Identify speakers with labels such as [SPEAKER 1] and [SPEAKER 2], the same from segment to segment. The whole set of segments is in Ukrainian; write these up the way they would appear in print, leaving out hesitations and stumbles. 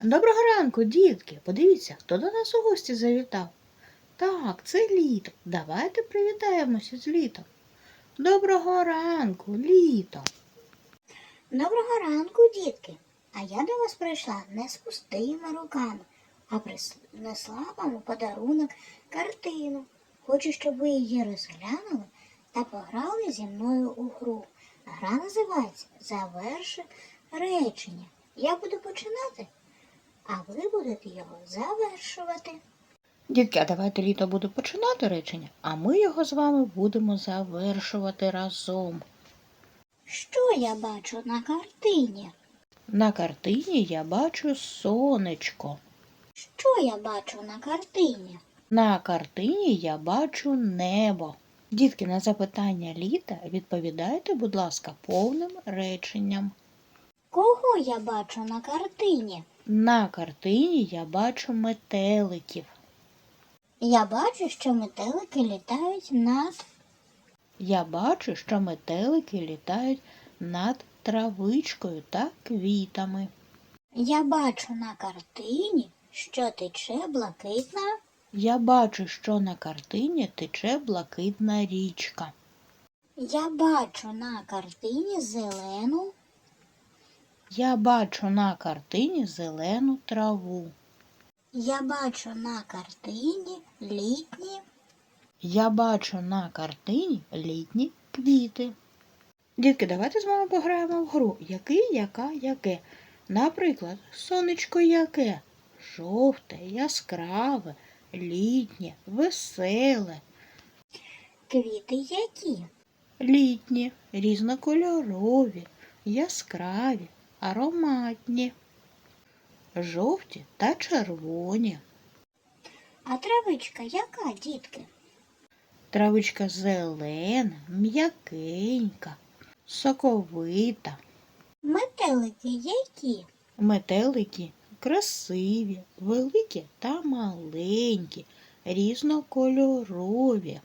[SPEAKER 1] Доброго ранку, дітки! Подивіться, хто до нас у гості завітав. Так, це літо. Давайте привітаємося з літом. Доброго ранку, літо!
[SPEAKER 2] Доброго ранку, дітки! А я до вас прийшла не з пустими руками, а принесла вам у подарунок картину. Хочу, щоб ви її розглянули та пограли зі мною у гру. Гра називається «Заверши речення». Я буду починати, а ви будете його завершувати.
[SPEAKER 1] Дітки, а давайте літо буде починати речення, а ми його з вами будемо завершувати разом.
[SPEAKER 2] Що я бачу на картині?
[SPEAKER 1] На картині я бачу сонечко.
[SPEAKER 2] Що я бачу на картині?
[SPEAKER 1] На картині я бачу небо. Дітки, на запитання літа відповідайте, будь ласка, повним реченням.
[SPEAKER 2] Кого я бачу на картині?
[SPEAKER 1] На картині я бачу метеликів.
[SPEAKER 2] Я бачу, що метелики літають над...
[SPEAKER 1] Я бачу, що метелики літають над травичкою та квітами.
[SPEAKER 2] Я бачу на картині, що тече блакитна...
[SPEAKER 1] Я бачу, що на картині тече блакитна річка.
[SPEAKER 2] Я бачу на картині зелену...
[SPEAKER 1] Я бачу на картині зелену траву.
[SPEAKER 2] Я бачу на картині літні...
[SPEAKER 1] Я бачу на картині літні квіти. Дітки, давайте з вами пограємо в гру «Який, яка, яке». Наприклад, сонечко яке? Жовте, яскраве, літнє, веселе.
[SPEAKER 2] Квіти які?
[SPEAKER 1] Літні, різнокольорові, яскраві, ароматні. Жовті та червоні.
[SPEAKER 2] А травичка яка, дітки?
[SPEAKER 1] Травичка зелена, м'якенька, соковита.
[SPEAKER 2] Метелики які?
[SPEAKER 1] Метелики красиві, великі та маленькі, різнокольорові.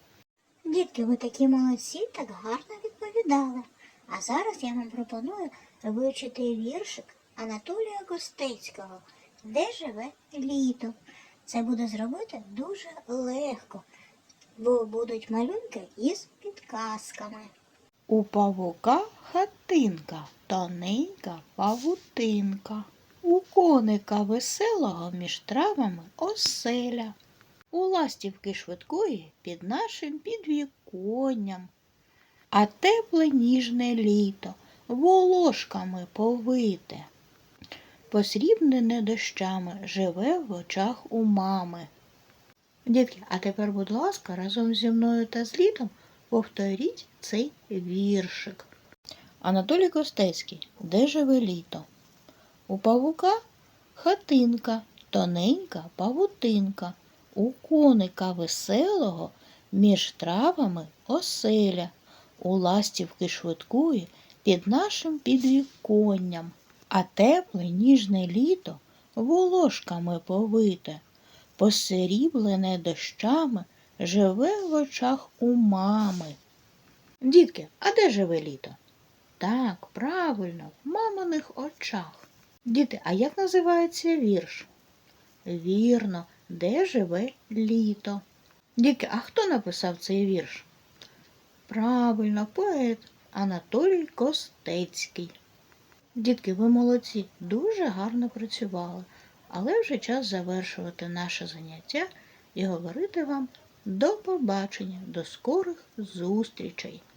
[SPEAKER 2] Дітки, ви такі молодці, так гарно відповідали. А зараз я вам пропоную вивчити віршик Анатолія Костецького «Де живе літо». Це буде зробити дуже легко, бо будуть малюнки із підказками.
[SPEAKER 1] У павука хатинка, тоненька павутинка. У коника веселого між травами оселя. У ластівки швидкої під нашим підвіконням. А тепле ніжне літо волошками повите. Посрібнене дощами живе в очах у мами. Дітки, а тепер, будь ласка, разом зі мною та з літом повторіть цей віршик. Анатолій Костецький. Де живе літо? У павука хатинка, тоненька павутинка. У коника веселого між травами оселя. У ластівки швидкої під нашим підвіконням. А тепле ніжне літо волошками повите. Посріблене дощами живе в очах у мами. Дітки, а де живе літо? Так, правильно, в маминих очах. Діти, а як називається вірш? Вірно, де живе літо? Дітки, а хто написав цей вірш? Правильно, поет Анатолій Костецький. Дітки, ви молодці, дуже гарно працювали. Але вже час завершувати наше заняття і говорити вам до побачення, до скорих зустрічей.